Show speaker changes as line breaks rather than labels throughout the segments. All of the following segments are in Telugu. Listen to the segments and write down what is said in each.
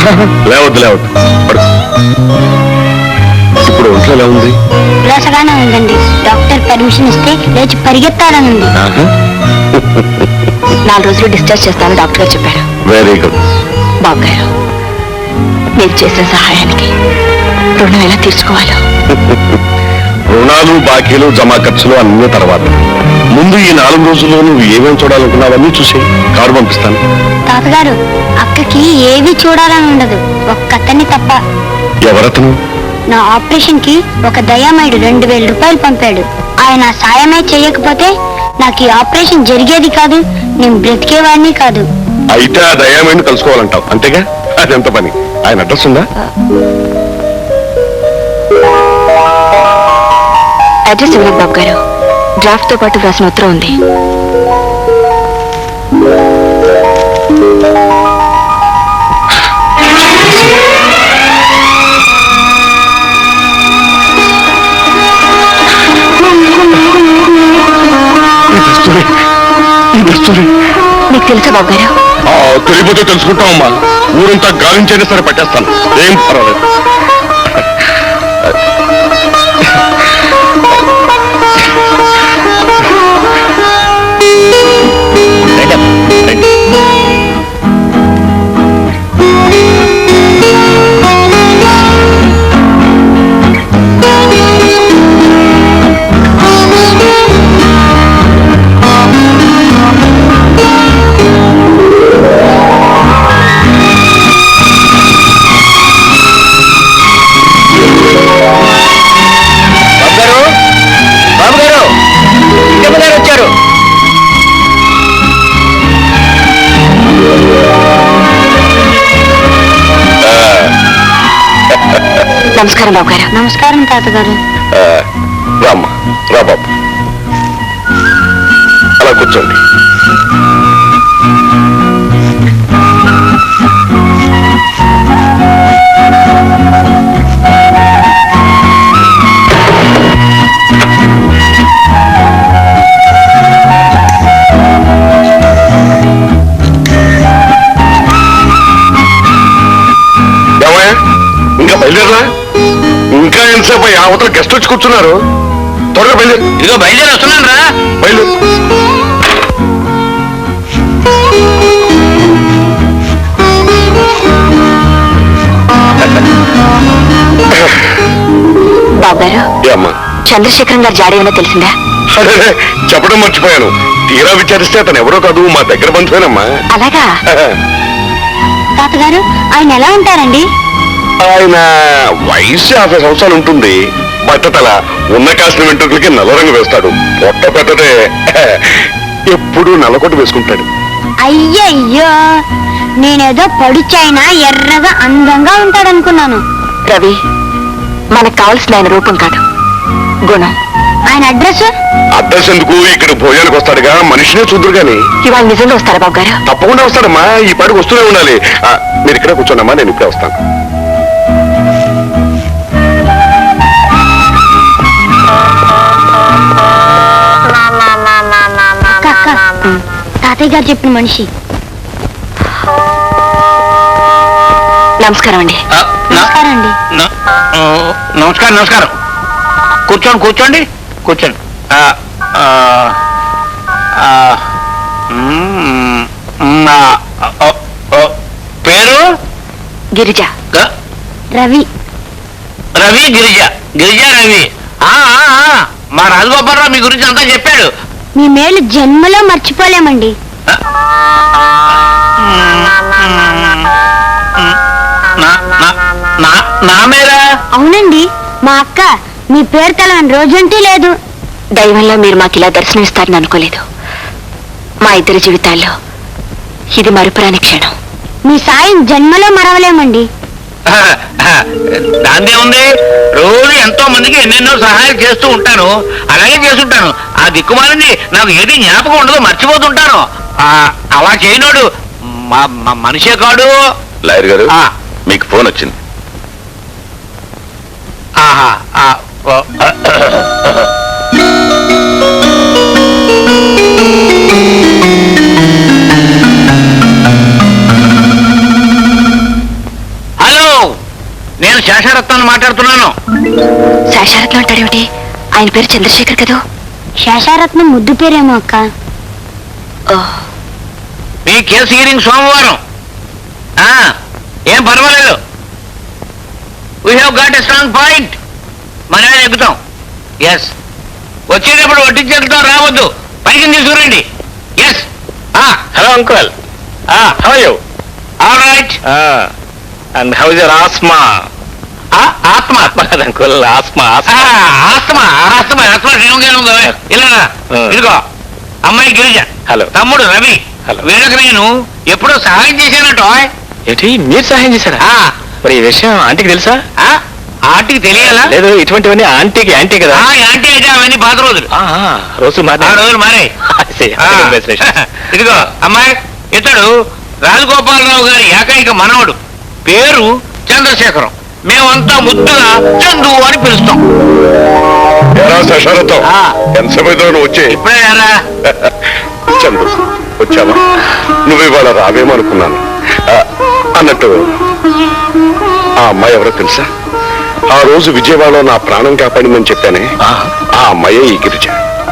లేవద్దు లేవద్దు ఇప్పుడు ఒంట్లో ఎలా ఉంది?
ఉల్లాసగానే ఉందండి. డాక్టర్ పర్మిషన్ ఇస్తే లేచి పరిగెత్తాలని ఉంది. 4 రోజులు డిశ్చార్జ్ చేస్తాను డాక్టర్ గారు చెప్పారు.
Very good.
బాబు గారు, మీరు చేసిన సహాయానికి రుణం ఎలా తీర్చుకోవాలో.
రుణాలు బాకీలు జమా ఖర్చులు అన్ని తర్వాత, ముందు ఈ 4 రోజుల్లో నువ్వు ఏమేమి చూడాలనుకున్నావన్నీ చూసి కారు పంపిస్తాను.
తాతగారు, అక్కకి ఏవి చూడాలని ఉండదు, ఒక్కతన్ని తప్ప.
ఎవరతను?
నా ఆపరేషన్ కి ఒక దయామయుడు 2000 రూపాయలు పంపాడు. ఆయన సాయమే చేయకపోతే నాకు ఈ ఆపరేషన్ జరిగేది కాదు, నేను బ్రతికేవాడిని కాదు.
అయితే ఆ దయామయుడిని కలుసుకోవాలంటావు అంతేగా? అదెంత పని? ఆయన అడ్రస్ ఉందా?
అడ్రస్ ఇవ్వలేదు బాబు గారు, డ్రాఫ్ట్ తో పాటు రాసిన ఉత్తరం ఉంది. మీకు తెలుసా బాబు గారు?
తెలియపోతే తెలుసుకుంటామమ్మా. ఊరంతా గాలించైనా సరే పట్టేస్తాను, ఏం పర్వాలేదు.
నమస్కారం బాబు గారు. నమస్కారం తాతగారు.
రామ్మా, రా బాబు, అలా కూర్చోండి. ఇంకా బయలుదేరలా? ఇంకా ఎంతసేపు? అవతల గెస్ట్ వచ్చి కూర్చున్నారు, త్వరగా బయలుదేరు.
ఇదిగో బయలుదేరి వస్తున్నాను రా.
బయలుదేరు.
బాబు గారు,
అమ్మా,
చంద్రశేఖరం గారు జాడీ ఏమైనా తెలిసిందా?
అదే చెప్పడం మర్చిపోయాను. తీరా విచారిస్తే అతను ఎవరో కాదు, మా దగ్గర బంధువేనమ్మా.
అలాగా? తాతగారు, ఆయన ఎలా ఉంటారండి?
ఆయన వయసు 50 సంవత్సరాలు ఉంటుంది. బట్టతల, ఉన్న కాసిన వెంట్రుకలకి నల్ల రంగు వేస్తాడు. పొట్ట పెద్దదే, ఎప్పుడు నల్లకొట్టు వేసుకుంటాడు.
అయ్యయ్యో, నేనేదో పడుచైనా ఎర్రగా అందంగా ఉంటాడనుకున్నాను. రవి, మనకు కావాల్సిన ఆయన రూపం కాదు, గుణం. ఆయన అడ్రస్?
అడ్రస్ ఎందుకు? ఇక్కడ భోజనానికి వస్తాడుగా, మనిషినే చూద్దరు గాని.
ఇవాళ నిజంగా వస్తారా బాబు గారు?
తప్పకుండా వస్తాడమ్మా, ఈ పాటికి వస్తూనే ఉండాలి. మీరు ఇక్కడే కూర్చోండమ్మా, నేను ఇప్పుడే వస్తాను. తాతయ్య గారు చెప్పిన మనిషి. నమస్కారం అండి. నమస్కారం అండి.
నమస్కారం నమస్కారం. కూర్చోండి కూర్చోండి కూర్చోండి. పేరు?
గిరిజ. రవి.
రవి, గిరిజ. గిరిజ, రవి. మా రాజగోపాలరావు మీ గురించి అంతా చెప్పాడు.
మీ మేలు జన్మలో మర్చిపోలేమండి.
నా మేరా?
అవునండి, మా అక్క మీ పేరు తెలవని రోజంటూ లేదు. దైవంలో మీరు మాకు ఇలా దర్శనమిస్తారని అనుకోలేదు. మా ఇద్దరి జీవితాల్లో ఇది మరుపురాని క్షణం. మీ సాయం జన్మలో మరవలేమండి.
దాందే ఉంది, రోజు ఎంతో మందికి ఎన్నెన్నో సహాయాలు చేస్తూ ఉంటాను, అలాగే చేస్తుంటాను. ఆ దిక్కుమాలింది నాకు ఏది జ్ఞాపకం ఉండదు, మర్చిపోతుంటాను. అలా చేయనోడు మనిషే కాడు.
లాయర్ గారు, మీకు ఫోన్ వచ్చింది.
శేషరత్నాన్ని మాట్లాడుతున్నాను.
శేషారత్నం అంటాడేమిటి? ఆయన పేరు చంద్రశేఖర్ కదా. శేషారత్నం ముద్దు పేరేమో అక్క.
మీ కేసు హీరింగ్ సోమవారం. ఏం పర్వాలేదు. We have got a strong point. మనమే ఎక్కుతాం. ఎస్, వచ్చేటప్పుడు వడ్డించేతో రావద్దు, పైకి తీసుకురండి. Yes.
Hello uncle, how are you?
All right.
And how is your asthma?
ఆత్మ
కాదు uncle, asthma.
Asthma asthma asthma క్షేమంగానే ఉందా? ఇలా ఇదిగో అమ్మాయి గిరిజ,
హలో.
తమ్ముడు రవి.
హలో.
వీళ్ళకి నేను ఎప్పుడో సహాయం చేశానట.
ఏంటి, మీరు సహాయం చేశారా? మరి ఈ విషయం ఆంటీకి తెలుసా?
ఆంటీకి తెలియాలా?
లేదు, ఇటువంటివన్నీ ఆంటీకి యాంటీ కదా.
యాంటీ అయితే అవన్నీ పాత రోజులు.
రోజులు
ఆ
మాత్రం
రోజులు మారాయి. ఇదిగో అమ్మాయి, ఇతడు రాజగోపాలరావు గారి ఏకైక మనవడు. పేరు చంద్రశేఖరం. మేమంతా ముద్దుగా చందు అని పిలుస్తాం.
ఎరా శశారథం, ఎంతసేపు నువ్వు వచ్చే?
ఇప్పుడే రా.
చందు వచ్చావా? నువ్వు ఇవాళ రావేమనుకున్నాను. అన్నట్టు ఆ అమ్మాయి ఎవరో తెలుసా? ఆ రోజు విజయవాడలో నా ప్రాణం కాపాడిందని చెప్పానే, ఆ అమ్మాయే ఈ గిరిజ.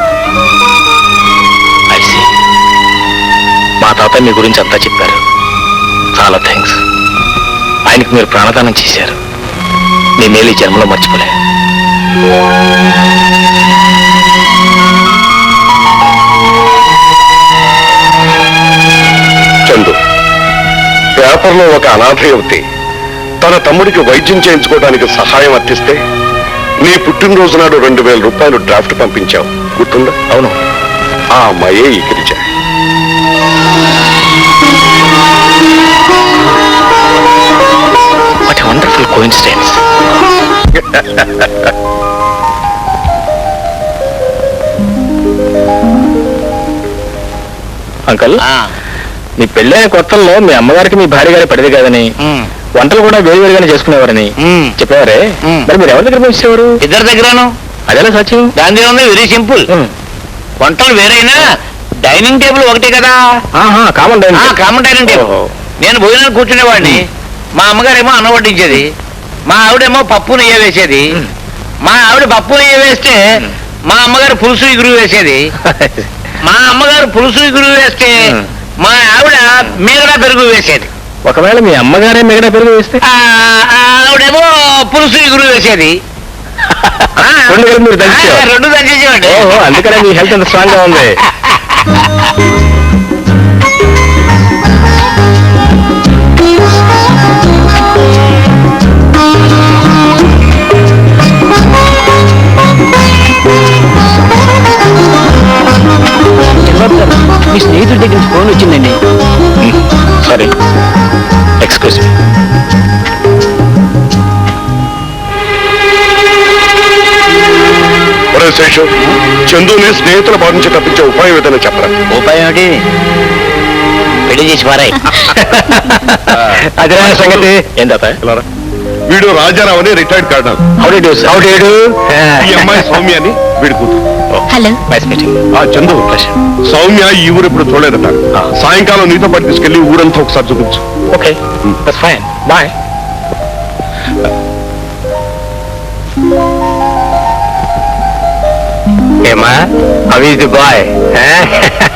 మా తాత మీ గురించి అంతా చెప్పారు. చాలా థ్యాంక్స్. ఆయనకు మీరు ప్రాణదానం చేశారు. మీ మేలు ఈ జన్మలో మర్చిపోలే.
చందు, పేపర్లో ఒక అనాథ యువతి తన తమ్ముడికి వైద్యం చేయించుకోవడానికి సహాయం అర్థిస్తే నీ పుట్టినరోజు నాడు 2000 రూపాయలు డ్రాఫ్ట్ పంపించావు, గుర్తుందా?
అవును,
ఆ అమ్మాయే ఈ Girija.
What a wonderful coincidence. Uncle, మీ పెళ్ళైన కొత్తల్లో మీ అమ్మగారికి మీ భార్య గారి పడితే కాదని, వంటలు కూడా వేరువేరుగానే చేసుకునేవారని చెప్పేవారే. మరి మీరు ఎవరి దగ్గర పంపించేవారు?
ఇద్దరి దగ్గరను.
అదేలా సత్యం?
దాని ఉంది వెరీ సింపుల్. వంటలు వేరైనా డైనింగ్ టేబుల్ ఒకటే కదా.
Common dining.
Common dining table. నేను భోజనం కూర్చునేవాడిని. మా అమ్మగారేమో అన్నం వడ్డించేది, మా ఆవిడేమో పప్పు నెయ్యి వేసేది. మా ఆవిడ పప్పు నెయ్యి వేస్తే మా అమ్మగారు పులుసు ఇగురు వేసేది. మా అమ్మగారు పులుసు ఇగురు వేస్తే మా ఆవిడ మిగడా పెరుగు వేసేది.
ఒకవేళ మీ అమ్మగారే మిగడా పెరుగు వేస్తే
ఆవిడేమో పులుసు ఇగురు వేసేది.
రెండు కలిపి మీరు దంచేవారు?
రెండు దంచేసేవాడి.
ఓహో, అందుకనే మీ హెల్త్ ఎంత స్ట్రాంగ్ గా ఉంది.
మీ స్నేహితుడి దగ్గర నుంచి ఫోన్ వచ్చిందండి.
Sorry, excuse me.
శేషు, చందుని స్నేహితుల బాధ నుంచి తప్పించే ఉపాయం ఏదైనా చెప్పరా?
ఉపాయం ఏమిటి? పెళ్లి చేసి మారాయి.
అదే సంగతి. ఏం తాత?
వీడు రాజారావు అని రిటైర్డ్ కర్నల్. ఈ అమ్మాయి సౌమ్య అని వీడి కూతురు.
Hello.
Nice meeting.
Chandu, Soumya ఈ ఊరు ఇప్పుడు చూడలేదట. సాయంకాలం నీతో పాటు తీసుకెళ్లి ఊరంతా ఒకసారి చూపించు.
Okay, that's fine. బాయ్. ఏమా, హౌ ఈజ్ ది బాయ్?